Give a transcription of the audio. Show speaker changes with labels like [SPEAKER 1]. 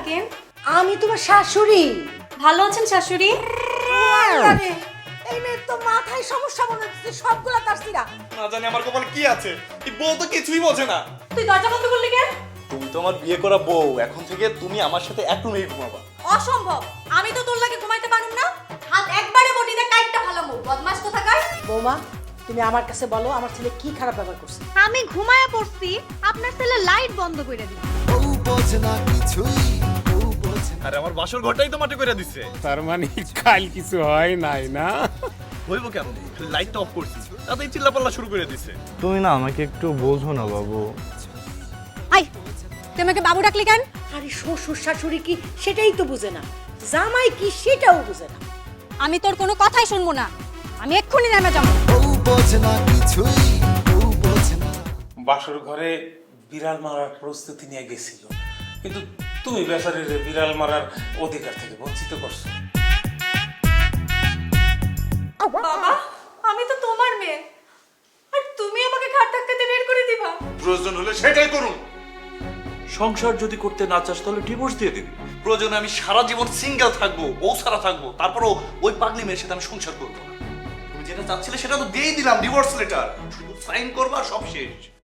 [SPEAKER 1] থাকেন?
[SPEAKER 2] আমি তোমার শাশুড়ি।
[SPEAKER 1] ভালো আছেন শাশুড়ি?
[SPEAKER 2] আরে, এই মেয়ের তো মাথায় সমস্যা মনে হচ্ছে, সবগুলা তাসিরা।
[SPEAKER 3] না জানি আমার কপালে কি আছে, এই বউ তো কিছুই বোঝে না।
[SPEAKER 1] তুই দরজা বন্ধ করলি কেন?
[SPEAKER 3] তুমি তো আমার বিয়ে করা বউ, এখন থেকে তুমি আমার সাথে এক রুমেই ঘুমাবা।
[SPEAKER 1] অসম্ভব, আমি তো তোর লাগে ঘুমাইতে পারুম না। হাত একবারে বডিতে কাইটটা ফালামু, বদমাশ কোথাকার।
[SPEAKER 2] বৌমা, তুমি আমার কাছে বলো আমার ছেলে কি খারাপ ব্যবহার করছে।
[SPEAKER 1] আমি ঘুমায়া পড়ছি, আপনার ছেলে লাইট বন্ধ করে দিল।
[SPEAKER 3] আরে আমার বাসর ঘরটাই তো মাটি করে দিচ্ছে।
[SPEAKER 4] তার মানে কাল কিছু হয় নাই না?
[SPEAKER 3] হইব কেন, লাইটটা অফ করছি তাতেই চিল্লাপাল্লা শুরু করে দিচ্ছে।
[SPEAKER 5] তুমি না আমাকে একটু বোঝো না বাবু।
[SPEAKER 1] আই, তুই আমাকে বাবু ডাকলি কেন?
[SPEAKER 2] আরে শ্বশুর শাশুড়ি কি সেটাই তো বুঝে না, জামাই কি সেটাও বুঝে না।
[SPEAKER 1] আমি তোর কোনো কথাই শুনবো না, আমি এক্ষুনি নেমে যাবো।
[SPEAKER 4] বাসর ঘরে বিড়াল মারার প্রস্তুতি নিয়ে গেছিল, কিন্তু তুমি বেচারির বিড়াল মারার অধিকার থেকে বঞ্চিত করছো।
[SPEAKER 1] বাবা, আমি তো তোমার মেয়ে, আর তুমি আমাকে ঘাট ধাক্কাতে বের করে দিবা?
[SPEAKER 3] প্রয়োজন হলে সেটাই করুন।
[SPEAKER 6] সংসার যদি করতে না চাস তাহলে ডিভোর্স দিয়ে দিবি।
[SPEAKER 3] প্রয়োজনে আমি সারা জীবন সিঙ্গেল থাকবো, বউ ছাড়া থাকবো, তারপরও ওই পাগলি মেয়ের সাথে আমি সংসার করবো না। তুমি যেটা চাচ্ছিলে সেটা তো দিয়েই দিলাম, ডিভোর্স লেটার, শুধু সাইন করবা, সব শেষ।